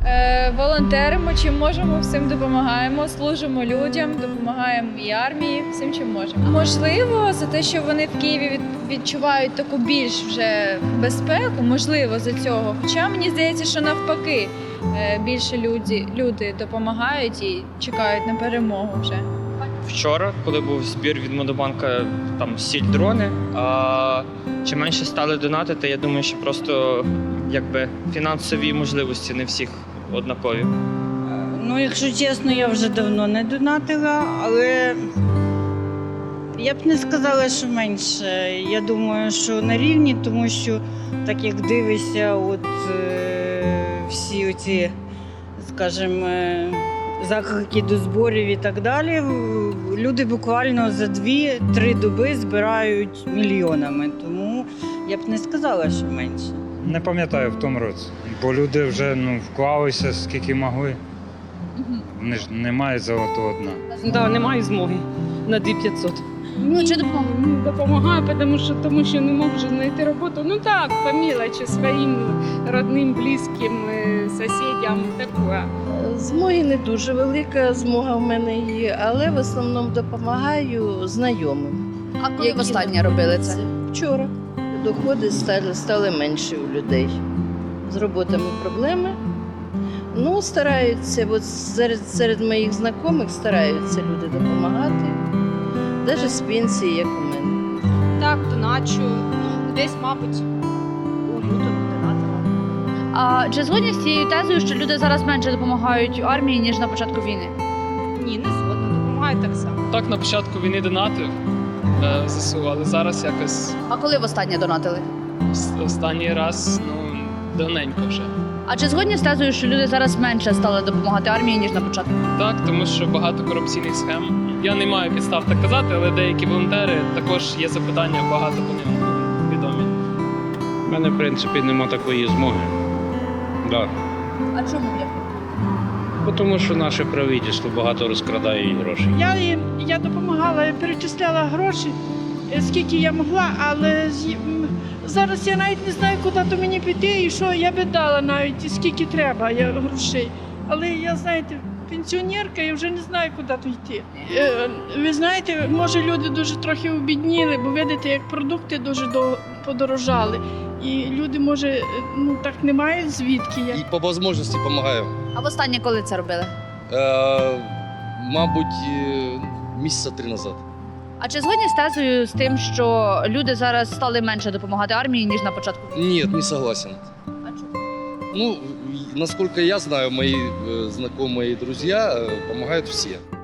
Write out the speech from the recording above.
Волонтеримо, чим можемо, всім допомагаємо, служимо людям, допомагаємо і армії, всім чим можемо. Можливо, за те, що вони в Києві відчувають таку більш вже безпеку, можливо, за цього. Хоча мені здається, що навпаки, більше люди допомагають і чекають на перемогу вже. Вчора, коли був збір від Монобанка, там сіль дрони, а чим менше стали донатити, я думаю, що просто якби фінансові можливості не всіх однакові. Ну, якщо чесно, я вже давно не донатила, але я б не сказала, що менше. Я думаю, що на рівні, тому що так як дивишся, всі оці, скажімо, заклики до зборів і так далі, люди буквально за 2-3 доби збирають мільйонами. Тому я б не сказала, що менше. Не пам'ятаю в тому році, бо люди вже вклалися скільки могли. Вони ж не мають золотого дна. Да, немає змоги на 2500. Ну, чи допомагає? Допомагаю, тому що не можу знайти роботу. Ну так, по мелочі, своїм родним, близьким, сусідям, таке. Змоги не дуже велика, змога в мене є, але в основному допомагаю знайомим. А коли востаннє робили це? Вчора. Доходи стали менші у людей. З роботами проблеми. Ну, стараються, от серед моїх знайомих стараються люди допомагати. Навіть з пенсії, як у мене. Так, доначу. Десь, мабуть, у лютому донатила. А чи згодні з цією тезою, що люди зараз менше допомагають армії, ніж на початку війни? Ні, не згодна, допомагаю так само. Так, на початку війни донатив ЗСУ, але зараз якось А коли востаннє донатили? останній раз, давненько вже. А чи згодні з тезою, що люди зараз менше стали допомагати армії, ніж на початку? Так, тому що багато корупційних схем. Я не маю підстав так казати, але деякі волонтери також є запитання, багато по ним відомі. У мене, в принципі, нема такої змоги. Да. А чому я? Тому що наше правительство багато розкрадає грошей. Я допомагала, перечисляла гроші, скільки я могла, але зараз я навіть не знаю, куди то мені піти і що я би дала навіть, скільки треба грошей. Але я, знаєте, пенсіонерка, я вже не знаю, куди то йти. Ви знаєте, може люди дуже трохи обідніли, бо видите, як продукти дуже подорожали. І люди, може, так не мають звідки. І по можливості допомагаю. А востаннє коли це робили? Мабуть, місяця 3 назад. А чи згодні з тезою з тим, що люди зараз стали менше допомагати армії, ніж на початку війни? Ні, не согласен. А чому? Ну, насколько я знаю, мои знакомые и друзья помогают все.